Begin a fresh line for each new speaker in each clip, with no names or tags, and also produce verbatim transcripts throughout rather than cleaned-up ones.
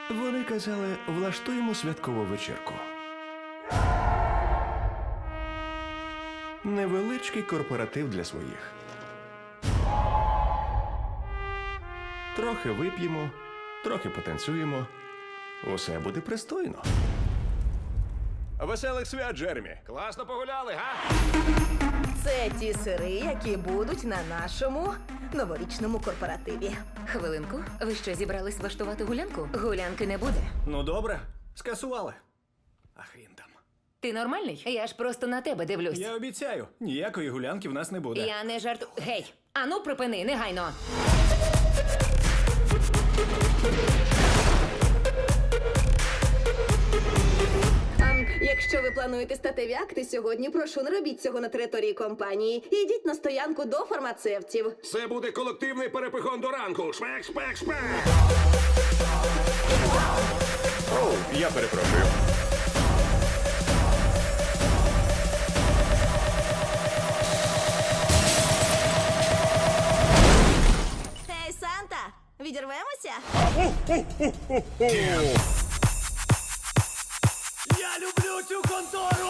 Вони казали, влаштуємо святкову вечірку. Невеличкий корпоратив для своїх. Трохи вип'ємо, трохи потанцюємо. Усе буде пристойно. Веселих свят, Джеремі!
Класно погуляли, га?
Це ті сири, які будуть на нашому новорічному корпоративі.
Хвилинку, ви що, зібрались влаштувати гулянку? Гулянки не буде.
Ну добре, скасували. А хрін там.
Ти нормальний? Я ж просто на тебе дивлюсь.
Я обіцяю, ніякої гулянки в нас не буде.
Я не жарту. Гей! Ану, припини, негайно!
А, якщо ви плануєте статеві акти сьогодні, прошу, не робіть цього на території компанії. Ідіть на стоянку до фармацевтів.
Це буде колективний перепихон до ранку. Шпек, шпек, шпек.
Оу, я перепрошую.
Ей, Санта, відірвемося?
Я люблю цю контору!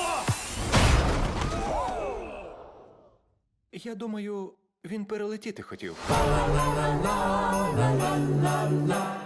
Я думаю, він перелетіти хотів.